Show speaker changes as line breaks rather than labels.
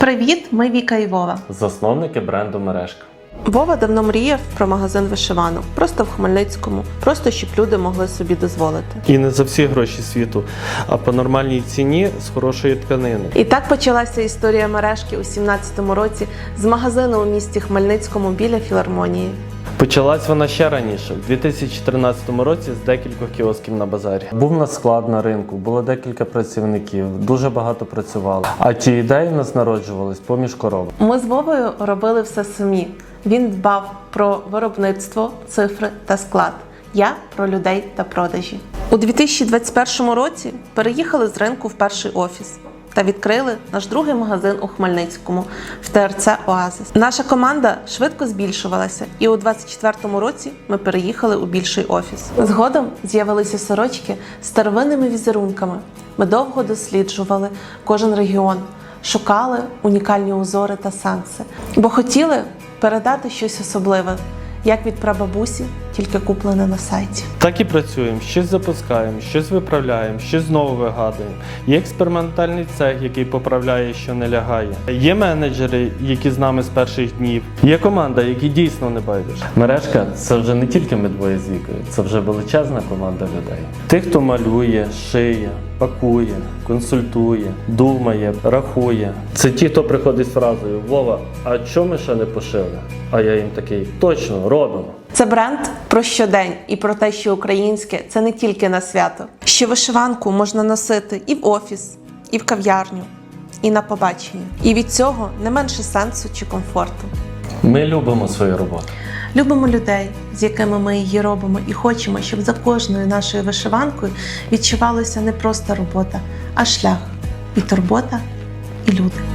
Привіт, ми Віка і Вова.
Засновники бренду «Мережка».
Вова давно мріяв про магазин вишиванок, просто в Хмельницькому, просто щоб люди могли собі дозволити.
І не за всі гроші світу, а по нормальній ціні з хорошої тканини.
І так почалася історія мережки у 17-му році з магазину у місті Хмельницькому біля філармонії.
Почалась вона ще раніше, в 2013 році з декількох кіосків на базарі.
Був у нас склад на ринку, було декілька працівників, дуже багато працювали. А ті ідеї у нас народжувались поміж коров.
Ми з Вовою робили все самі. Він дбав про виробництво, цифри та склад. Я про людей та продажі. У 2021 році переїхали з ринку в перший офіс та відкрили наш другий магазин у Хмельницькому в ТРЦ «Оазис». Наша команда швидко збільшувалася, і у 2024 році ми переїхали у більший офіс. Згодом з'явилися сорочки з старовинними візерунками. Ми довго досліджували кожен регіон, шукали унікальні узори та сенси, бо хотіли передати щось особливе, як від прабабусі, тільки куплене на сайті.
Так і працюємо, щось запускаємо, щось виправляємо, щось знову вигадуємо. Є експериментальний цех, який поправляє, що не лягає. Є менеджери, які з нами з перших днів. Є команда, які дійсно не байдуже.
«Мережка» – це вже не тільки ми двоє з Вікою, це вже величезна команда людей.
Тих, хто малює, шиє, пакує, консультує, думає, рахує. Це ті, хто приходить з фразою «Вова, а чому ми ще не пошили?» А я їм такий «Точно, робимо».
Це бренд про щодень і про те, що українське – це не тільки на свято. Що вишиванку можна носити і в офіс, і в кав'ярню, і на побачення. І від цього не менше сенсу чи комфорту.
Ми любимо свою роботу.
Любимо людей, з якими ми її робимо, і хочемо, щоб за кожною нашою вишиванкою відчувалася не просто робота, а шлях, і турбота, і люди.